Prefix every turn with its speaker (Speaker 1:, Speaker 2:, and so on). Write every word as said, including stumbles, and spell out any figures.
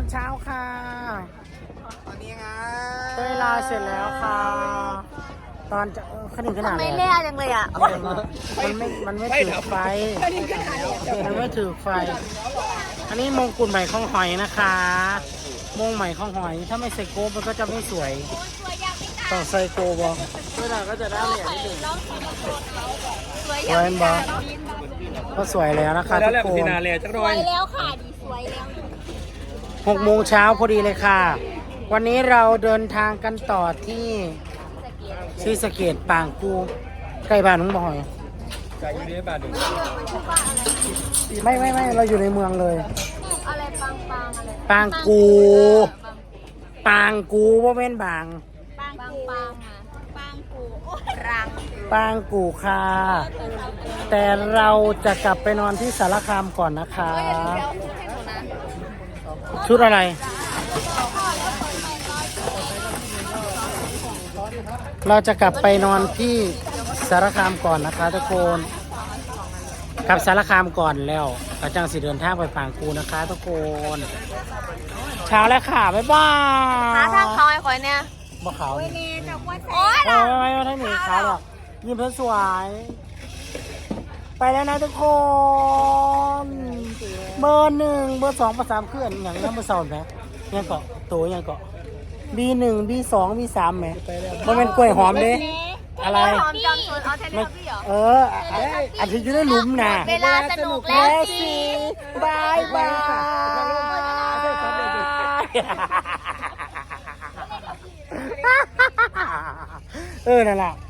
Speaker 1: เช้าค่ะ
Speaker 2: ตอนนี้ไง
Speaker 1: เต้ยลาเสร็จแล้วค่ะ ตอนจะขนาดขนาด
Speaker 3: ไม่
Speaker 1: เลย
Speaker 3: เล่จังเลยอ่ะ
Speaker 1: มันไม่ มันไม่ถือไฟ มันไม่ถือไฟ อันนี้มงกุฎใหม่ของหอยนะคะ มงใหม่ของหอย ถ้าไม่ใส่โกบมันก็จะไม่สวย ต้องใส่โกบอเวลาก็จะได้เหรียญนิดนึงสวยบอก็สวยแล้วนะคะทุกคน
Speaker 3: สวยแล้วค่ะดีสวยแล้ว
Speaker 1: หกโมงเช้าพอดีเลยค่ะ วันนี้เราเดินทางกันต่อที่ศรีสะเกษปางกูใกล้บ้านน้องบอย
Speaker 2: จากยูนิเวอร์บาร์ดู
Speaker 1: ไม่ไม่ไม่เราอยู่ในเมืองเลย
Speaker 3: อะไรปังปังอะไร
Speaker 1: ปางกูปางกูว่าเป็นบาง
Speaker 3: ปังปังปังอ่ะปังกูรัง
Speaker 1: ปางกูค่ะ แต่เราจะกลับไปนอนที่สารคามก่อนนะคะ ชุดอะไร เราจะกลับไปนอนที่สารคามก่อนนะคะทุกคนกลับสารคามก่อนแล้วกระจังสิเดินทางไปปางกูนะคะทุกคนเช้าแล้วค่ะบ๊ายบาย
Speaker 3: หาทางเขาไอ้คอยเนี่ย
Speaker 1: บ่ขาวนี่
Speaker 3: โอ๊ย
Speaker 1: ไม่ไม่ไม่ไม่หนีขาวหรอกยิ้มเพื่อสวย ไปแล้วนะทุกคนเบอร์หนึ่งเบอร์สองเบอร์สามเคลื่อนอย่างนี้เบอร์สองไหมยังเกาะตัวยังเกาะ บี หนึ่ง บี สอง บี สามไหมมันเป็นกล้วยหอมเด้อะไร
Speaker 3: หอมจอมชนเอาเทเล
Speaker 1: ไม่
Speaker 3: พี่เหรอ
Speaker 1: เอออันที่อยู่ในหลุมน่ะ
Speaker 3: เวลาสนุกแล้วสิ
Speaker 1: บายบายเออนั่นแหละ